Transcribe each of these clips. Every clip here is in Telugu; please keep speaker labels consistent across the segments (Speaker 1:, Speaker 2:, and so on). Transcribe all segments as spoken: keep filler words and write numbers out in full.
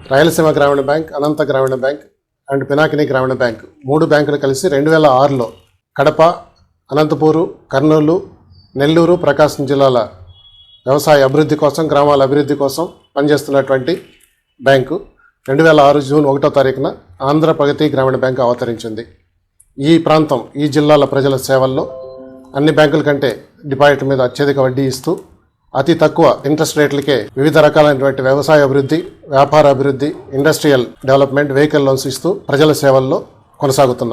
Speaker 1: రాయలసీమ గ్రామీణ బ్యాంక్, అనంత గ్రామీణ బ్యాంక్ అండ్ పినాకిని గ్రామీణ బ్యాంక్ మూడు బ్యాంకులు కలిసి రెండు వేల ఆరులో కడప, అనంతపూరు, కర్నూలు, నెల్లూరు, ప్రకాశం జిల్లాల వ్యవసాయ అభివృద్ధి కోసం, గ్రామాల అభివృద్ధి కోసం పనిచేస్తున్నటువంటి బ్యాంకు రెండు వేల ఆరు జూన్ ఒకటో తారీఖున ఆంధ్ర ప్రగతి గ్రామీణ బ్యాంకు అవతరించింది. ఈ ప్రాంతం, ఈ జిల్లాల ప్రజల సేవల్లో అన్ని బ్యాంకుల కంటే డిపాజిట్ మీద అత్యధిక వడ్డీ ఇస్తూ అతి తక్కువ ఇంట్రెస్ట్ రేట్లకే వివిధ రకాలైనటువంటి వ్యవసాయ అభివృద్ధి, వ్యాపార అభివృద్ధి, ఇండస్ట్రియల్ డెవలప్మెంట్, వెహికల్ లోన్స్ ఇస్తూ ప్రజల సేవల్లో కొనసాగుతున్నాం.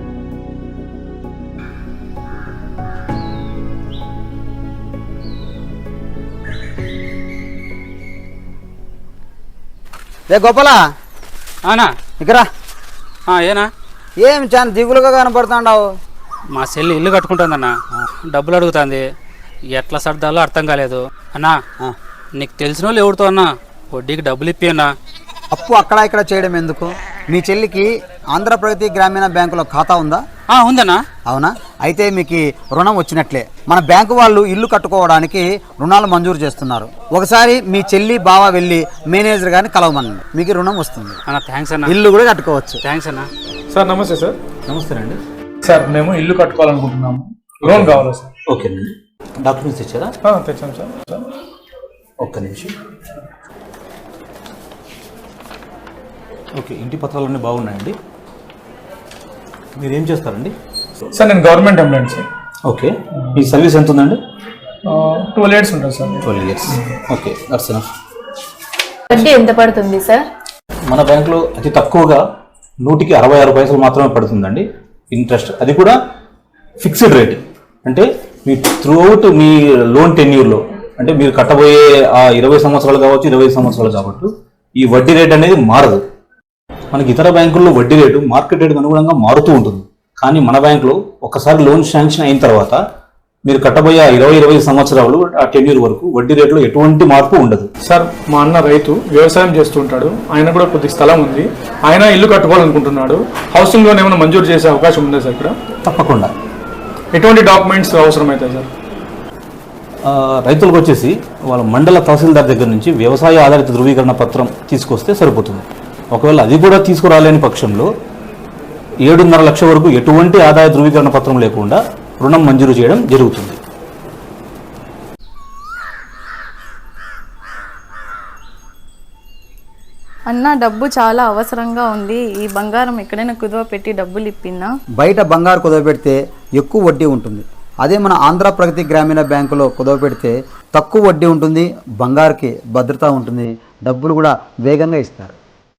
Speaker 2: రే గోపాలా,
Speaker 3: అవునా
Speaker 2: ఇక్కడ
Speaker 3: ఏనా
Speaker 2: ఏం చాలా దిగులుగా కనపడుతున్నావు?
Speaker 3: మా చెల్లి ఇల్లు కట్టుకుంటుందన్న, డబ్బులు అడుగుతుంది, ఎట్లా సర్దాలో అర్థం కాలేదు అన్నా. నీకు తెలిసిన వాళ్ళు ఎవరితో అన్నా వడ్డీకి డబ్బులు ఇప్పి అన్నా.
Speaker 2: అప్పు అక్కడ ఇక్కడ చేయడం ఎందుకు? మీ చెల్లికి ఆంధ్ర ప్రగతి గ్రామీణ బ్యాంకులో ఖాతా ఉందా?
Speaker 3: ఉందన్నా.
Speaker 2: అవునా? అయితే మీకు రుణం వచ్చినట్లే. మన బ్యాంకు వాళ్ళు ఇల్లు కట్టుకోవడానికి రుణాలు మంజూరు చేస్తున్నారు. ఒకసారి మీ చెల్లి బావ వెళ్ళి మేనేజర్ గారిని కలవమనండి, మీకు రుణం వస్తుంది.
Speaker 3: అన్న థ్యాంక్స్ అన్న,
Speaker 2: ఇల్లు కూడా కట్టుకోవచ్చు.
Speaker 3: థ్యాంక్స్ అన్న.
Speaker 4: సార్ నమస్తే. సార్
Speaker 3: నమస్తే అండి.
Speaker 4: సార్ మేము ఇల్లు కట్టుకోవాలనుకుంటున్నాము, లోన్ కావాలా సార్?
Speaker 3: ఓకేనండి. డాక్యుమెంట్స్ తెచ్చారా?
Speaker 4: తెచ్చాను సార్. సార్
Speaker 3: ఒక్క నిమిషం. ఓకే, ఇంటి పత్రాలన్నీ బాగున్నాయండి. మీరు ఏం చేస్తారండి?
Speaker 4: సార్ నేను గవర్నమెంట్ ఎంప్లాయీ సార్.
Speaker 3: ఓకే, మీ సర్వీస్ ఎంత ఉందండి?
Speaker 4: ట్వెల్వ్ ఇయర్స్ ఉంటుంది sir.
Speaker 3: Twelve years okay, that's enough.
Speaker 5: వడ్డీ ఎంత పడుతుంది సార్?
Speaker 3: మన బ్యాంకులో అతి తక్కువగా నూటికి అరవై ఆరు పైసలు మాత్రమే పడుతుందండి ఇంట్రెస్ట్. అది కూడా ఫిక్స్డ్ రేట్. అంటే మీ త్రూ అవుట్ మీ లోన్ టెన్యూర్లో, అంటే మీరు కట్టబోయే ఆ ఇరవై సంవత్సరాలు కావచ్చు, ఇరవై సంవత్సరాలు కాబట్టి ఈ వడ్డీ రేట్ అనేది మారదు. మనకి ఇతర బ్యాంకుల్లో వడ్డీ రేటు మార్కెట్ రేటుకు అనుగుణంగా మారుతూ ఉంటుంది. కానీ మన బ్యాంకులో ఒకసారి లోన్ శాంక్షన్ అయిన తర్వాత మీరు కట్టబోయే ఇరవై ఇరవై సంవత్సరాలు ఆ టెన్యూర్ వరకు వడ్డీ రేట్లో ఎటువంటి మార్పు ఉండదు.
Speaker 4: సార్ మా అన్న రైతు, వ్యవసాయం చేస్తుంటాడు, ఆయన కూడా కొద్ది స్థలం ఉంది, ఆయన ఇల్లు కట్టుకోవాలనుకుంటున్నాడు. హౌసింగ్ లోన్ ఏమైనా మంజూరు చేసే అవకాశం ఉందా సార్ ఇక్కడ?
Speaker 3: తప్పకుండా.
Speaker 4: ఎటువంటి డాక్యుమెంట్స్ అవసరం అవుతాయి సార్?
Speaker 3: రైతులకు వచ్చేసి వాళ్ళ మండల తహసీల్దార్ దగ్గర నుంచి వ్యవసాయ ఆధారిత ధృవీకరణ పత్రం తీసుకొస్తే సరిపోతుంది. ఒకవేళ అది కూడా తీసుకురాలేని పక్షంలో ఏడున్నర లక్షల వరకు ఎటువంటి ఆదాయ ధృవీకరణ పత్రం లేకుండా రుణం మంజూరు చేయడం జరుగుతుంది.
Speaker 5: అన్న, డబ్బు చాలా అవసరంగా ఉంది. ఈ బంగారం ఎక్కడైనా కుదువ పెట్టి డబ్బులు ఇప్పినా?
Speaker 2: బయట బంగారు కుదవ పెడితే ఎక్కువ వడ్డీ ఉంటుంది. అదే మన ఆంధ్ర ప్రగతి గ్రామీణ బ్యాంకులో కుదవ పెడితే తక్కువ వడ్డీ ఉంటుంది, బంగారుకి భద్రత ఉంటుంది, డబ్బులు కూడా వేగంగా ఇస్తారు.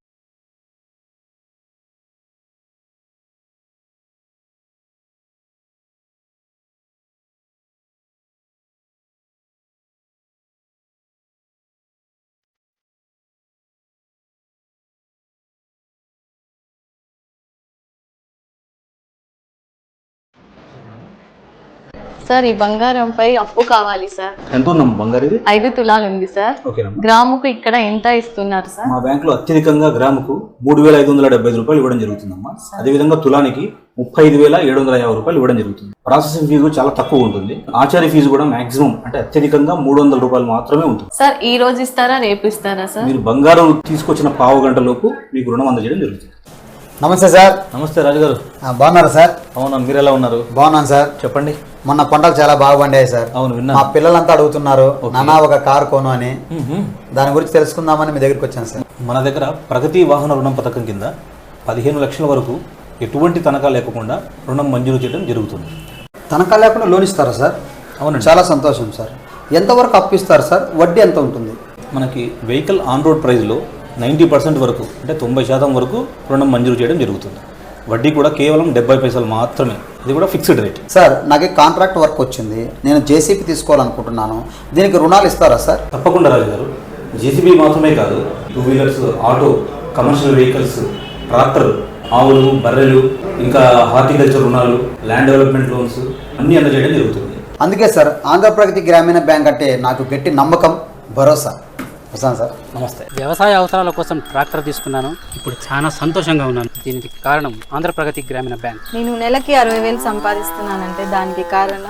Speaker 5: సార్, ఈ బంగారంపై అప్పు కావాలి సార్.
Speaker 3: ఎంత ఉందమ్మా బంగారు? ఇది
Speaker 5: ఐదు తులాలు ఉంది సార్. గ్రాముకు ఇక్కడ ఎంత ఇస్తున్నారు సార్?
Speaker 3: మా బ్యాంకులో అత్యధికంగా గ్రాముకు మూడు వేల ఐదు వందల డెబ్బై ఐదు రూపాయలు ఇవ్వడం జరుగుతుందమ్మా. అదేవిధంగా తులానికి ముప్పై ఐదు వేల ఏడు వందల యాభై రూపాయలు ఇవ్వడం జరుగుతుంది. ప్రాసెసింగ్ ఫీజు చాలా తక్కువ ఉంటుంది. ఆచార్య ఫీజు కూడా మాక్సిమం అంటే అత్యధికంగా మూడు వందల రూపాయలు మాత్రమే ఉంటుంది.
Speaker 5: సార్, ఈ రోజు ఇస్తారా, రేపు ఇస్తారా సార్?
Speaker 3: మీరు బంగారం తీసుకొచ్చిన పావు గంట లోపు మీకు రుణం అందజేయడం జరుగుతుంది.
Speaker 2: నమస్తే సార్.
Speaker 3: నమస్తే రాజు గారు.
Speaker 2: బాగున్నారా సార్?
Speaker 3: అవునా, మీరు ఎలా ఉన్నారు?
Speaker 2: బాగున్నాను సార్.
Speaker 3: చెప్పండి.
Speaker 2: మొన్న పంటలు చాలా బాగా పండాయి సార్.
Speaker 3: అవును, విన్నా.
Speaker 2: మా పిల్లలంతా అడుగుతున్నారు, నాన్న ఒక కారు కొను అని. దాని గురించి తెలుసుకుందామని మీ దగ్గరికి వచ్చాను సార్.
Speaker 3: మన దగ్గర ప్రగతి వాహన రుణం పథకం కింద పదిహేను లక్షల వరకు ఎటువంటి తనఖా లేకుండా రుణం మంజూరు చేయడం జరుగుతుంది.
Speaker 2: తనఖా లేకుండా లోన్ ఇస్తారా సార్?
Speaker 3: అవునండి.
Speaker 2: చాలా సంతోషం సార్. ఎంతవరకు అప్పు ఇస్తారు సార్? వడ్డీ ఎంత ఉంటుంది?
Speaker 3: మనకి వెహికల్ ఆన్ రోడ్ ప్రైస్లో నైంటీ పర్సెంట్ వరకు అంటే తొంభై శాతం వరకు రుణం మంజూరు చేయడం జరుగుతుంది. వడ్డీ కూడా కేవలం డెబ్బై పైసలు మాత్రమే. ఇది కూడా ఫిక్స్డ్ రేట్.
Speaker 2: సార్, నాకు కాంట్రాక్ట్ వర్క్ వచ్చింది, నేను జేసీబీ తీసుకోవాలనుకుంటున్నాను, దీనికి రుణాలు ఇస్తారా సార్?
Speaker 3: తప్పకుండా రాజు గారు. జేసీబీ మాత్రమే కాదు, two wheelers, auto, commercial vehicles, tractor, ఆవులు, బర్రెలు, ఇంకా హార్టికల్చర్ రుణాలు, ల్యాండ్ డెవలప్మెంట్ లోన్స్ అన్నీ అందజేయడం జరుగుతుంది.
Speaker 2: అందుకే సార్ ఆంధ్ర ప్రగతి గ్రామీణ బ్యాంక్ అంటే నాకు గట్టి నమ్మకం, భరోసా. వస్తాను సార్.
Speaker 3: నమస్తే. వ్యవసాయ అవసరాల కోసం ట్రాక్టర్ తీసుకున్నాను. ఇప్పుడు చాలా సంతోషంగా ఉన్నాను. దీనికి కారణం ఆంధ్ర ప్రగతి గ్రామీణ బ్యాంక్.
Speaker 5: నేను నెలకి అరవై వేలు సంపాదిస్తున్నానంటే దానికి కారణం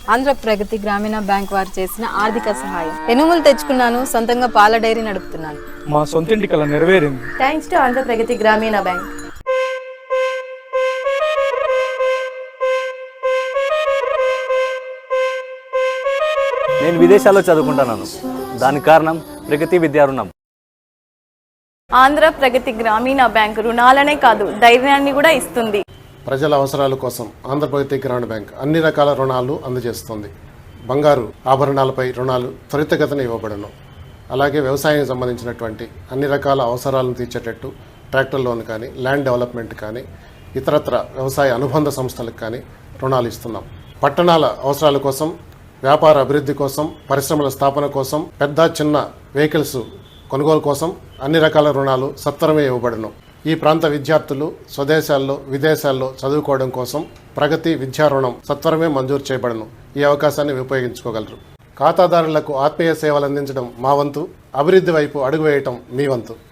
Speaker 6: ఆంధ్ర ప్రగతి గ్రామీణ బ్యాంక్ వారు చేసిన ఆర్థిక సహాయం. ఎనుములు తెచ్చుకున్నాను, సొంతంగా పాల డైరీ నడుపుతున్నాను.
Speaker 4: మా సొంతింటి కల నెరవేరింది.
Speaker 5: థ్యాంక్స్ టు ఆంధ్ర ప్రగతి గ్రామీణ బ్యాంక్.
Speaker 7: నేను విదేశాల్లో చదువుకుంటున్నాను. దానికి కారణం ప్రగతి విద్యా రుణం.
Speaker 5: ఆంధ్ర ప్రగతి గ్రామీణ బ్యాంక్ రుణాలనే కాదు, ధైర్యాన్ని కూడా ఇస్తుంది.
Speaker 1: ప్రజల అవసరాల కోసం ఆంధ్రప్రగతి గ్రామీణ బ్యాంక్ అన్ని రకాల రుణాలు అందజేస్తుంది. బంగారు ఆభరణాలపై రుణాలు త్వరితగతిన ఇవ్వబడను. అలాగే వ్యవసాయానికి సంబంధించినటువంటి అన్ని రకాల అవసరాలను తీర్చేటట్టు ట్రాక్టర్ లోన్ కానీ, ల్యాండ్ డెవలప్మెంట్ కానీ, ఇతరత్ర వ్యవసాయ అనుబంధ సంస్థలకు కానీ రుణాలు ఇస్తున్నాం. పట్టణాల అవసరాల కోసం, వ్యాపార అభివృద్ధి కోసం, పరిశ్రమల స్థాపన కోసం, పెద్ద చిన్న వెహికల్స్ కొనుగోలు కోసం అన్ని రకాల రుణాలు సత్వరమే ఇవ్వబడను. ఈ ప్రాంత విద్యార్థులు స్వదేశాల్లో, విదేశాల్లో చదువుకోవడం కోసం ప్రగతి విద్యా రుణం సత్వరమే మంజూరు చేయబడను. ఈ అవకాశాన్ని ఉపయోగించుకోగలరు. ఖాతాదారులకు ఆత్మీయ సేవలు అందించడం మా వంతు, అభివృద్ధి వైపు అడుగు వేయటం మీ వంతు.